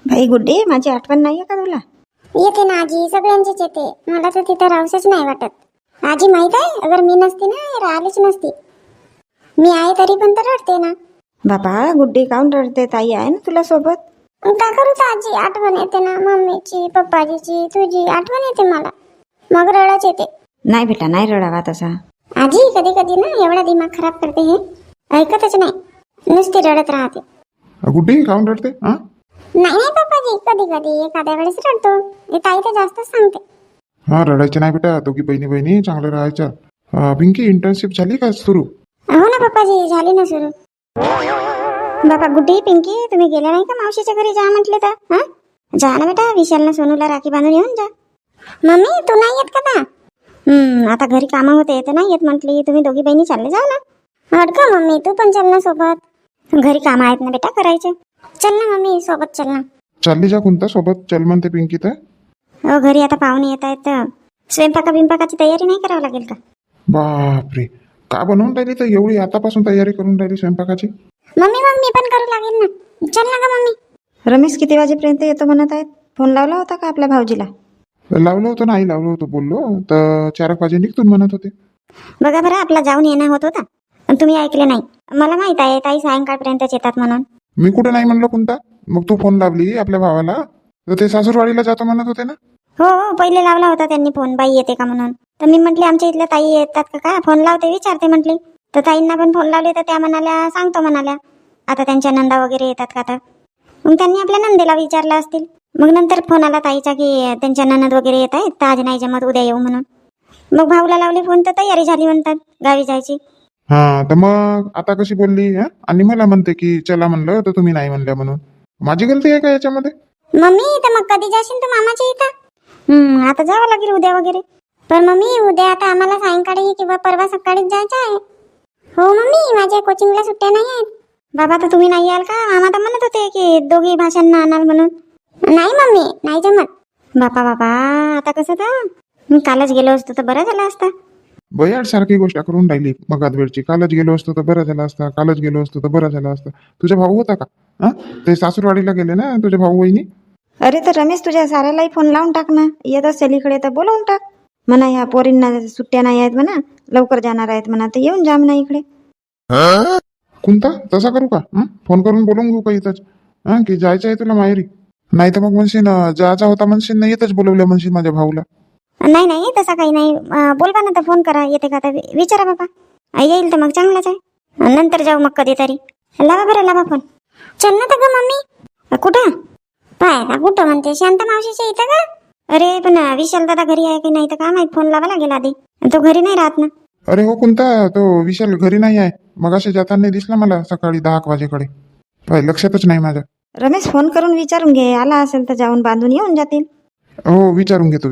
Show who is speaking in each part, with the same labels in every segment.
Speaker 1: भाई गुड्डे, माझी आठवण नाहीये का तुला?
Speaker 2: येते ना आजी, सगळ्यांचीच येते. मला तर तिथं राहूसच नाही वाटत. आजी माहित आहे, अगर मी नसती ना राहिलीच नसती. मी आहे तरी पण तर रडते ना.
Speaker 1: बाबा गुड्डी काऊन रडते? ताई आहे ना तुला सोबत.
Speaker 2: का करू तर आजी, आठवण येते ना मम्मीची, पप्पाजीची, तुझी आठवण येते मला. मग रडच येते.
Speaker 1: नाही बेटा, नाही रडावा तसा.
Speaker 2: आजी कधी कधी ना एवढा दिमाग खराब करते, हे ऐकतच नाही, नुसती रडत राहते.
Speaker 3: गुड्डी काऊन रडते? हा
Speaker 2: नाही नाही पप्पाजी, कधी कधी एखाद्या वेळेस रडतो. हे ताई तर जास्तच सांगते.
Speaker 3: हा रडायचं नाही बेटा, दोघी बहिणी बहिणी चांगलं राहायचं. पिंकी, इंटर्नशिप झाली का सुरू?
Speaker 2: हो ना पप्पाजी, झाली ना सुरू. बाबा गुड्डी, पिंकी, तुम्ही गेल्या नाही का मावशीच्या घरी? जा म्हटले तर. हा जा ना बेटा, विशालनं सोनूला राखी बांधून येऊन जा. मम्मी तू नाही येत का ना? आता घरी कामं होते तर नाही येत म्हटली. तुम्ही दोघी बहिणी चालले जाऊ ना. हट का मम्मी, तू पण चल ना सोबत. घरी काम आहेत ना बेटा करायचे. चल ना मम्मी, सोबत चल ना.
Speaker 3: चालली जा कोणता सोबत चल म्हणते पिंकी तर.
Speaker 2: हो, घरी आता पाहुणे येत आहेत तर स्वयंपाकाची तयारी नाही करावं लागेल का?
Speaker 3: बापरे, का बनवून राहिली तर एवढी आतापासून तयारी करून राहिली स्वयंपाकाची?
Speaker 2: मम्मी मग मी पण करू लागेल ना. चल ना का मम्मी.
Speaker 1: रमेश किती वाजेपर्यंत येतो म्हणत आहेत? फोन लावला होता का आपल्या भाऊजीला?
Speaker 3: लावलं होतं, नाही लावलं होतं, बोललो तर 4 वाजे निघतून म्हणत होते.
Speaker 2: बघा बरं, आपला जाऊन येणं होत होता पण तुम्ही ऐकले नाही. मला माहित आहे ताई सायंकाळपर्यंतच येतात म्हणून.
Speaker 3: मी कुठे नाही म्हणलं कोणता. मग तू फोन लावली आपल्या भावाला तर ते सासूरवाडीला जातो म्हणत होते ना.
Speaker 2: हो, पहिले लावला होता त्यांनी फोन, बाई येते का म्हणून. तर मी म्हटले आमच्या इथल्या ताई येतात का काय, फोन लावते विचारते म्हटली. तर ताईंना पण फोन लावले तर त्या म्हणाल्या सांगतो म्हणाल्या. आता त्यांच्या नंदा वगैरे येतात का तर मग त्यांनी आपल्या नंदेला विचारलं असतील. मग नंतर फोन आला ताईचा की त्यांच्या ननद वगैरे येत आहेत तर आज नाही जमत, उद्या येऊ म्हणून. मग भाऊला लावले फोन तर तयारी झाली म्हणतात गावी जायची.
Speaker 3: हा तर मग आता कशी बोलली? आणि मला म्हणते की चला म्हणलं तर तुम्ही नाही म्हणल्या म्हणून. माझी गलती आहे का याच्यामध्ये?
Speaker 2: मम्मी तर मग कधी जाशील तू मामाच्या इथं? आता जावं लागेल उद्या वगैरे. पण मम्मी उद्या आता आम्हाला सायंकाळी किंवा परवा सकाळीच जायचं आहे. हो मम्मी, माझ्या कोचिंगला सुट्ट्या नाही आहेत. बाबा तर तुम्ही नाही याल का? मामा तर म्हणत होते की दोघी भाषांना आणाल म्हणून. नाही मम्मी, नाही जमत. बापा आता कसं तर मी कालच गेलो असतो तर बरं झालं असता.
Speaker 3: बयाड सारखी गोष्ट करून राहिली मगात वेळची. कालच गेलो असतो तर बरं झालं असता, कालच गेलो असतो तर बरं झालं असतं. तुझा भाऊ होता का? ते सासूरवाडीला गेले ना तुझे भाऊ वहिनी.
Speaker 1: अरे तर रमेश, तुझ्या साऱ्यालाही फोन लावून टाक ना. येत असेल इकडे तर बोलवून टाक म्हणा. ह्या पोरींना सुट्ट्या नाही आहेत म्हणा, लवकर जाणार आहेत म्हणा, तर येऊन जा म्हणा इकडे.
Speaker 3: कोणता तसा करू का? फोन करून बोलून घेऊ का इथंच? की जायचं आहे तुला माहेरी? नाही तर मग म्हणशील जायचा होता म्हणशील ना, इथंच बोलवलं म्हणशील माझ्या भाऊला.
Speaker 2: नाही नाही, तसा काही नाही. बोलवा ना तर फोन करा, येते का तर विचारा बाबा. येईल तर मग चांगलाच आहे. नंतर जाऊ मग कधीतरी. लावा बरं, लावा फोन. चल ना तर ग मम्मी. कुठं पाय का? कुठं म्हणते? शांत मावशीच्या इथं का? अरे पण विशाल दादा घरी आहे की नाही तर काय माहित, फोन लावा लागेल आधी. तो घरी नाही राहत ना.
Speaker 3: अरे हो, कोणता तो विशाल घरी नाही आहे. मग असे जाताना दिसला मला सकाळी 10 वाजेकडे. पाय लक्षातच नाही माझ्या.
Speaker 1: रमेश, फोन करून विचारून घे, आला असेल तर जाऊन बांधून येऊन जातील.
Speaker 3: हो विचारून घेतो.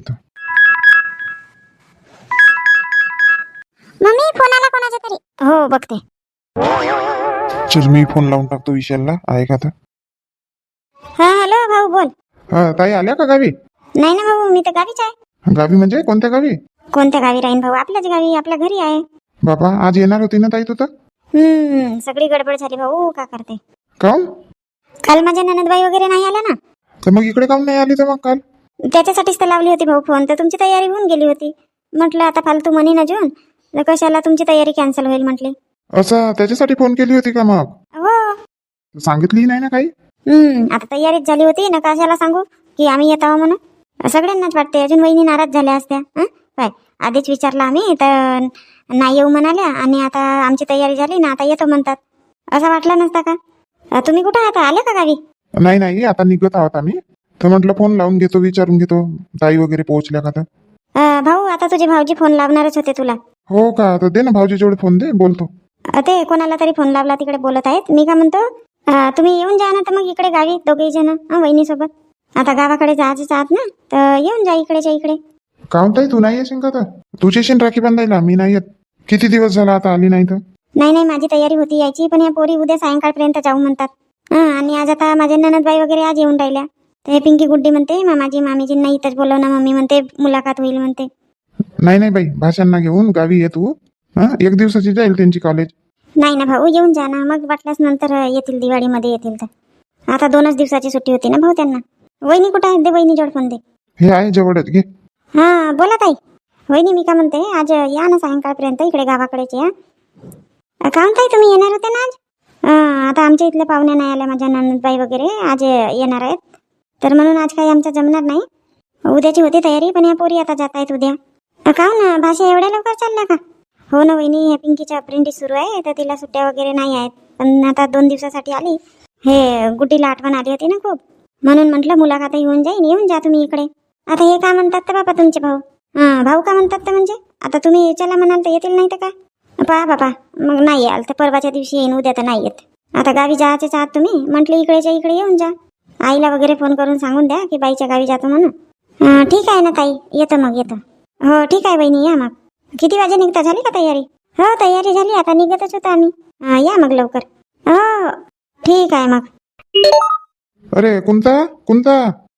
Speaker 2: मम्मी फोन आला कोणाचा तरी. हो बघते.
Speaker 3: चल मी फोन लावून टाकतो विशालला, आहे का तर.
Speaker 2: हा हॅलो भाऊ, बोल.
Speaker 3: ताई आल्या का गावी?
Speaker 2: नाही ना भाऊ, मी तर गावीच आहे.
Speaker 3: गावी म्हणजे कोणत्या गावी?
Speaker 2: कोणत्या गावी राहीन भाऊ, आपल्याच गावी, आपल्या घरी आहे.
Speaker 3: बाबा आज येणार होती ना ताई तू तर?
Speaker 2: सगळी गडबड झाली भाऊ, का करते.
Speaker 3: काऊन?
Speaker 2: काल माझ्या ननदबाई वगैरे नाही आल्या ना.
Speaker 3: तर मग इकडे काऊन नाही आली तर मग काल?
Speaker 2: त्याच्यासाठीच तर लावली होती भाऊ फोन, तर तुमची तयारी होऊन गेली होती. म्हटलं आता फालतू मनी न जून तर कशाला तुमची तयारी कॅन्सल होईल म्हटली.
Speaker 3: असं त्याच्यासाठी फोन केली होती का मग?
Speaker 2: हो.
Speaker 3: सांगितली नाही ना काही?
Speaker 2: आता तयारीच झाली होती ना, कशाला सांगू की आम्ही येत आहो म्हणून. सगळ्यांनाच वाटते, अजून वहिनी नाराज झाल्या असत्या. काय आधीच विचारलं आम्ही तर नाही येऊ म्हणाल्या, आणि आता आमची तयारी झाली ना, आता येतो म्हणतात. असं वाटलं नसता का? तुम्ही कुठं आता आल्या का गावी?
Speaker 3: नाही आता निघत आहोत आम्ही. तर म्हटलं फोन लावून घेतो, विचारून घेतो ताई वगैरे पोहोचल्या का तर.
Speaker 2: भाऊ आता तुझे भाऊजी फोन लावणारच होते तुला.
Speaker 3: हो का? तर दे ना भाऊजी जोडे फोन, दे बोलतो.
Speaker 2: ते कोणाला तरी फोन लावला, तिकडे बोलत आहेत. मी का म्हणतो, तुम्ही येऊन जा ना तर मग इकडे गावी दोघेही जण वहिनी सोबत. आता गावाकडे जायचीच आहात ना, तर येऊन जा इकडेच्या इकडे.
Speaker 3: काऊन ताई तू नाही येशील का? तर तुझी येशील राखी बांधायला, मी नाही येत. किती दिवस झाला आता आली नाही तर.
Speaker 2: नाही माझी तयारी होती यायची, पण या पोरी उद्या सायंकाळपर्यंत जाऊ म्हणतात. आणि आज आता माझ्या ननदबाई वगैरे आज येऊन राहिल्या. तर हे पिंकी गुड्डी म्हणते मामाजी मामीजींना इथंच बोलव ना मम्मी, म्हणते मुलाखत होईल म्हणते.
Speaker 3: नाही बाई, भाषांना घेऊन गावी ये तू. 1 दिवसाची जाईल त्यांची कॉलेज.
Speaker 2: नाही ना भाऊ, येऊन जा ना, मग वाटल्यास नंतर येतील, दिवाळीमध्ये येतील तर. आता 2च दिवसाची सुट्टी होती ना भाऊ त्यांना. वहिनी कुठं आहेत? दे वहिनी जोड फोन दे.
Speaker 3: हे आहे जवळच घे.
Speaker 2: हा बोला ताई. वहिनी मी का म्हणते, आज या ना सायंकाळपर्यंत इकडे गावाकडेच या. का ताई तुम्ही येणार होते ना आज? आता आमच्या इथल्या पाहुण्या नाही आल्या, माझ्या नंदबाई वगैरे आज येणार आहेत, तर म्हणून आज काही आमचं जमणार नाही. उद्याची होती तयारी, पण या पोरी आता जात आहेत उद्या. का ना भाषा एवढ्या लवकर चालल्या का? हो ना वहिनी, हे पिंकीच्या अप्रेंटिस सुरू आहे, तर तिला सुट्ट्या वगैरे नाही आहेत, पण आता 2 दिवसासाठी आली. हे गुड्डीला आठवण आली होती ना खूप, म्हणून म्हटलं मुलाखत येऊन जाईन, येऊन जा तुम्ही इकडे. आता हे का म्हणतात तर बाबा तुमचे भाऊ? भाऊ का म्हणतात तर म्हणजे आता तुम्ही चला म्हणाल तर येतील, नाही तर काय? पहा बाबा, मग नाही याल तर परवाच्या दिवशी येईन, उद्या तर नाही येत. आता गावी जायचेच आहात तुम्ही, म्हटलं इकडेच्या इकडे येऊन जा. आईला वगैरे फोन करून सांगून द्या की बाईच्या गावी जातो म्हणून. ठीक आहे ना ताई, येतो मग येतो. हो ठीक आहे बहिणी, या मग. किती वाजे निघता? झाली का तयारी? हो तयारी झाली, आता निघतच होतो आम्ही. या मग लवकर. हो ठीक आहे मग.
Speaker 3: अरे कोणता कोणता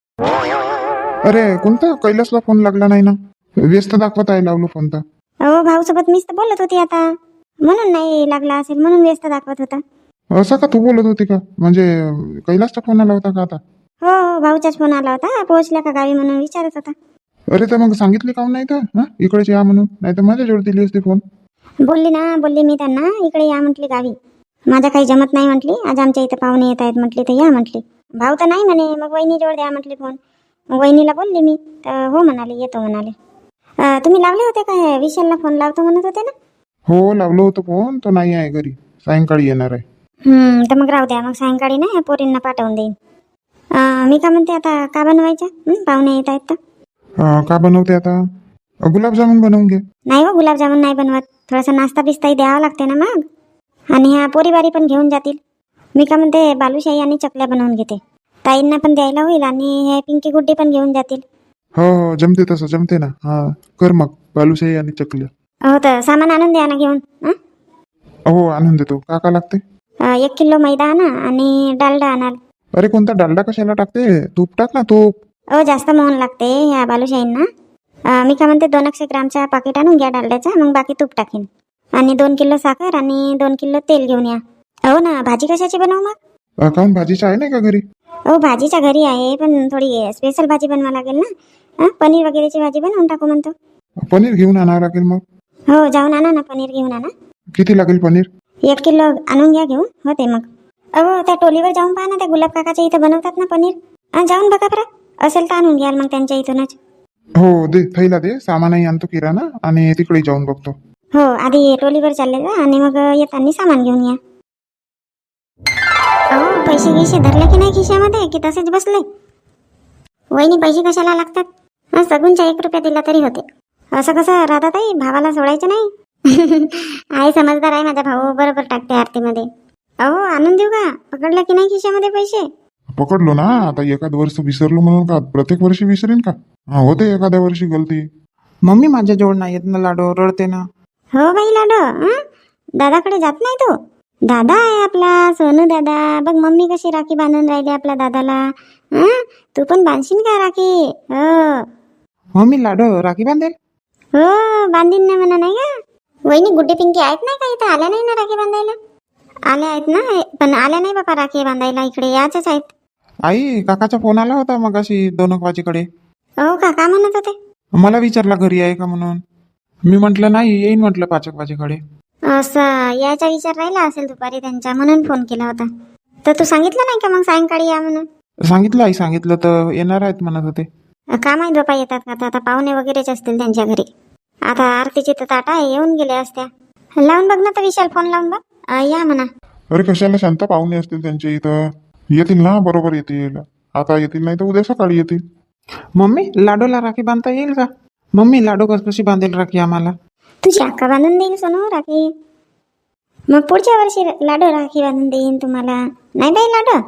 Speaker 3: अरे कोणता कैलासला फोन लागला नाही ना? व्यस्त दाखवत आहे, लावलो फोन तर.
Speaker 2: हो भाऊ सोबत मीच तर बोलत होती आता, म्हणून नाही लागला असेल, म्हणून व्यस्त दाखवत होता.
Speaker 3: असं का? तू बोलत होती का? म्हणजे कैलासचा फोन आला होता का आता?
Speaker 2: हो हो भाऊचाच फोन आला होता, पोहोचल्या का गावी म्हणून विचारत होता.
Speaker 3: अरे तर मग सांगितले काऊन नाही तर? इकडेच या म्हणून, नाही तर माझ्या जोड दिली असती फोन.
Speaker 2: बोलली मी त्यांना, इकडे या म्हटली गावी. माझा काही जमत नाही म्हटली, आज आमच्या इथं पाहुणे येत आहेत म्हटली, तर या म्हटली. भाऊ तर नाही म्हणे, मग वहिनी जोड द्या म्हटली फोन. मग वहिनीला बोलली मी, तर हो म्हणाले, येतो म्हणाले. तुम्ही लावले होते काय? विशालला फोन लावतो म्हणत होते ना?
Speaker 3: हो लावलो होतो फोन, तो नाही आहे घरी, सायंकाळी येणार आहे.
Speaker 2: तर मग राहू द्या, मग सायंकाळी ना पोरींना पाठवून देईन. मी का म्हणते, आता का बनवायचं? पाहुणे येत आहेत तर.
Speaker 3: का बनवते आता? गुलाबजामुन बनवून घे.
Speaker 2: नाही हो, गुलाबजामुन नाही बनवत, थोडासा नाश्ता बिस्ताही द्यावा लागते ना मग. आणि ह्या पोरीबारी पण घेऊन जातील. मी का म्हणते, बालुशाही आणि चकल्या बनवून घेते, ताईंना पण द्यायला होईल, आणि हे पिंकी गुड्डी पण घेऊन जातील.
Speaker 3: हो हो जमते, तसं जमते ना. कर मग बालुशाही आणि चकल्या.
Speaker 2: हो तर सामान आणून द्या ना घेऊन.
Speaker 3: हो आणून देतो. का लागते?
Speaker 2: 1 किलो मैदा आणा आणि डालडा आणाल.
Speaker 3: अरे कोणता डालडा कशाला टाकते? तूप टाक ना, तूप.
Speaker 2: जास्त मोहन लागते ह्या बालुशाहींना. मी का म्हणते 200 ग्रामचा पाकिट आणून घ्या डालड्याचा, मग बाकी तूप टाकीन. आणि 2 किलो साखर आणि 2 किलो तेल घेऊन या. हो ना, भाजी कशाची बनवू मग?
Speaker 3: काऊन भाजीची आहे नाही का घरी?
Speaker 2: हो भाजीच्या घरी आहे, पण थोडी स्पेशल भाजी बनवा लागेल ना. पनीर वगैरेची भाजी बनवून टाकू म्हणतो.
Speaker 3: पनीर घेऊन आणावं लागेल मग.
Speaker 2: हो जाऊन आणा ना, पनीर घेऊन आणा.
Speaker 3: किती लागेल पनीर?
Speaker 2: 1 किलो आणून घ्या घेऊन, होते मग. त्या टोलीवर जाऊन पहा ना, त्या गुलाब काकाच्या इथं बनवतात ना पनीर. जाऊन बघा बरं, असेल तर आणून घ्याल मग त्यांच्या इथूनच.
Speaker 3: हो दे, थैला दे, सामानही आणतो किराणा, आणि तिकडे जाऊन बघतो.
Speaker 2: हो आधी टोलीवर चालले जा, आणि मग येताना सामान घेऊन या. पैसे गिसे धरले की नाही खिशामध्ये, की तसेच बसले? वहिनी पैसे कशाला लागतात? सगूनच्या 1 रुपया दिला तरी होते. असं कसं राधाताई, भावाला सोडायचं नाही? आहे समजदार आहे माझा भाऊ, बरोबर टाकते आरतीमध्ये. आणून देऊ का? पकडला की नाही खिशामध्ये पैसे?
Speaker 3: पकडलो ना, आता एखाद वर्ष विसरलो म्हणून का प्रत्येक वर्षी विसरेन का? होते एखाद्या वर्षी गलती.
Speaker 4: मम्मी माझ्या जवळ नाही येत ना, लाडो रडते ना.
Speaker 2: हो बाई लाडो, दादाकडे जात नाही तू? दादा आहे आपला सोनू दादा, बघ मम्मी कशी राखी बांधून राहिली आपल्या दादाला. तू पण बांधशील का राखी? हो
Speaker 4: मम्मी लाडो राखी बांधेल.
Speaker 2: हो बांधीन ना म्हणा, नाही का? वहिनी गुड्डे पिंकी आहेत नाही का इथं? आल्या नाही ना राखी बांधायला? आल्या आहेत ना, पण आल्या नाही बापा राखी बांधायला, इकडे याचेच आहेत.
Speaker 4: आई काकाचा फोन आला होता मग अशी 2 वाजेकडे.
Speaker 2: हो का? का म्हणत होते?
Speaker 4: मला विचारला घरी आहे का म्हणून. मी म्हटलं नाही, येईन म्हटलं 5 वाजेकडे.
Speaker 2: असं याचा विचार राहिला असेल दुपारी त्यांचा, म्हणून फोन केला होता. तर तू सांगितलं नाही का मग सायंकाळी या म्हणून?
Speaker 4: सांगितलं आई, सांगितलं तर येणार आहेत म्हणत होते.
Speaker 2: का माहीत बापा येतात का? आता पाहुणे वगैरेच असतील त्यांच्या घरी. आता आरतीची तर ताटा आहे, येऊन गेले असत्या. लावून बघ ना तर विशाल, फोन लावून बघ, या म्हणा.
Speaker 3: अरे कशाला, शांत पाहुणे असतील त्यांच्या इथं, येतील ना, बरोबर येतील. आता येतील नाही तर उद्या सकाळी येतील.
Speaker 4: मम्मी लाडोला राखी बांधता येईल का? मम्मी लाडो कशी बांधेल राखी आम्हाला?
Speaker 2: तुझी अक्का बांधून देईल सोनू राखी. मग पुढच्या वर्षी लाडो राखी बांधून देईन तुम्हाला. नाही बाई लाडो,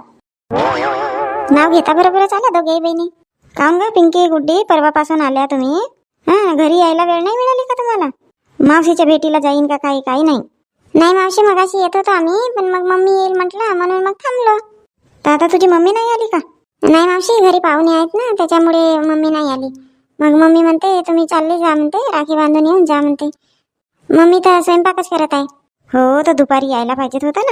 Speaker 2: नाव घेता बरोबरच आला दोघे बहिणी. काऊन ग पिंकी गुड्डी, परवापासून आल्या तुम्ही? घरी यायला वेळ नाही मिळाली का तुम्हाला? मावशीच्या भेटीला जाईन का? काही काही नाही. नाही मावशी, मगाशी येत होतो आम्ही, पण मग मम्मी येईल म्हटलं म्हणून मग थांबलो. तर आता तुझी मम्मी नाही आली का? नाही मावशी, घरी पाहुणे आहेत ना, त्याच्यामुळे मम्मी नाही आली. मग मम्मी म्हणते तुम्ही चालले जा म्हणते, राखी बांधून येऊन जा म्हणते. मम्मी तर स्वयंपाकच करत आहे. हो तर दुपारी यायला पाहिजेत होता ना.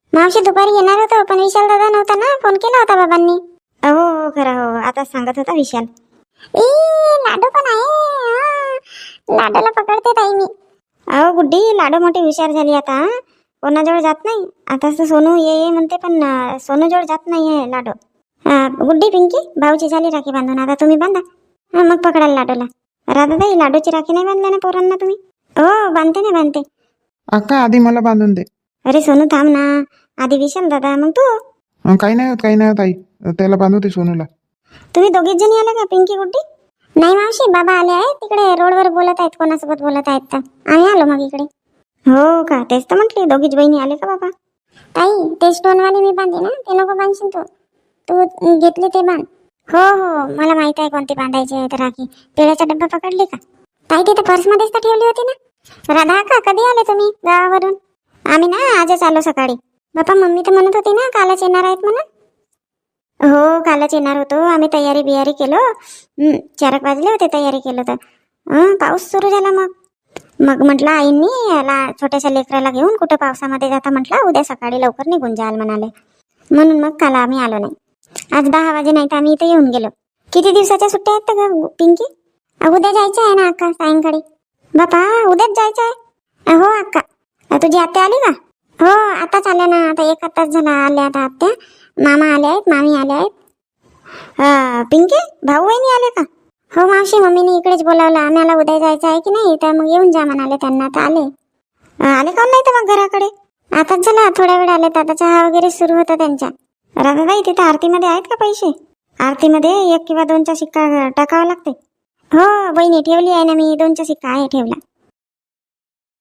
Speaker 2: मावशी दुपारी येणार होतो पण विशाल दादा नव्हता ना, फोन केला होता बाबांनी.
Speaker 1: हो खरं हो, आता सांगत होता विशाल.
Speaker 2: ए लाडू पण आहे. लाडूला पकडते ताई मी.
Speaker 1: अहो गुड्डी, लाडू मोठी हुशार झाली आता. कोणाजवळ जात नाही आता. सोनू ये म्हणते पण सोनूजवळ जात नाही आहे लाडू. गुड्डी, पिंकी, भाऊची झाली राखी बांधून, आता तुम्ही बांधा. मग पकडाल लाडूला. राधाताई, लाडूची राखी नाही बांधल्या ना पोरांना तुम्ही? हो बांधते ना, बांधते.
Speaker 4: अक्का आधी मला बांधून दे.
Speaker 1: अरे सोनू थांब ना, आधी विशाल दादा, मग तू.
Speaker 4: काही नाही होत, काही नाही होत आई, त्याला बांधू दे सोनूला.
Speaker 1: तुम्ही दोघीच जणी आले का, पिंकी गुड्डी?
Speaker 2: नाही मावशी, बाबा आले आहेत तिकडे रोडवर बोलत आहेत, कोणासोबत बोलत आहेत तर आम्ही आलो मग इकडे.
Speaker 1: हो का, तेच तर म्हटली दोघीच बहिणी आले का बाबा?
Speaker 2: ताई ते स्टोनवाले मी बांधे ना, ते नको बांधशील तू. तू घेतली ते बांध. हो हो, मला माहित आहे कोणती बांधायची आहे तर राखी. पेढ्याचा डब्बा पकडली का ताई? तिथे पर्समध्येच तर ठेवली होती ना. राधा का, कधी आले तुम्ही गावावरून?
Speaker 1: आम्ही ना आजच आलो सकाळी.
Speaker 2: बापा मम्मी तर म्हणत होती ना कालच येणार आहेत म्हणून.
Speaker 1: हो कालच येणार होतो आम्ही. तयारी बियारी केलो. 4 वाजले होते तयारी केलं तर पाऊस सुरू झाला. मग म्हटलं आईंनी याला छोट्याशा लेकराला घेऊन कुठं पावसामध्ये जाता म्हटलं, उद्या सकाळी लवकर निघून जाल म्हणाले. म्हणून मग काल आम्ही आलो नाही. आज 10 वाजे नाही तर आम्ही इथे येऊन गेलो. किती दिवसाच्या सुट्ट्या आहेत का पिंकी?
Speaker 2: उद्या जायचं आहे ना अक्का सायंकाळी.
Speaker 1: बापा उद्याच जायचं आहे?
Speaker 2: हो अक्का.
Speaker 1: तुझी आत्या आली का?
Speaker 2: हो आताच आल्या ना, आता 1 तास झाला आल्या आता आत्या. मामा आले आहेत, मामी आले आहेत.
Speaker 1: पिंकी भाऊ बहिणी आले का?
Speaker 2: हो मावशी, मम्मीने इकडेच बोलावलं. आम्हाला उद्या जायचं आहे की नाही, तर मग येऊन जा म्हणाले त्यांना, तर आले.
Speaker 1: आले का नाही तर मग घराकडे?
Speaker 2: आताच झाला, थोड्या वेळ आले. आता चहा वगैरे सुरू होता त्यांच्या.
Speaker 1: राधाताई तिथे आरतीमध्ये आहेत का पैसे? आरतीमध्ये 1 किंवा 2चा शिक्का टाकावा लागते.
Speaker 2: हो बहिणी ठेवली आहे ना मी, 2चा शिक्का आहे ठेवला.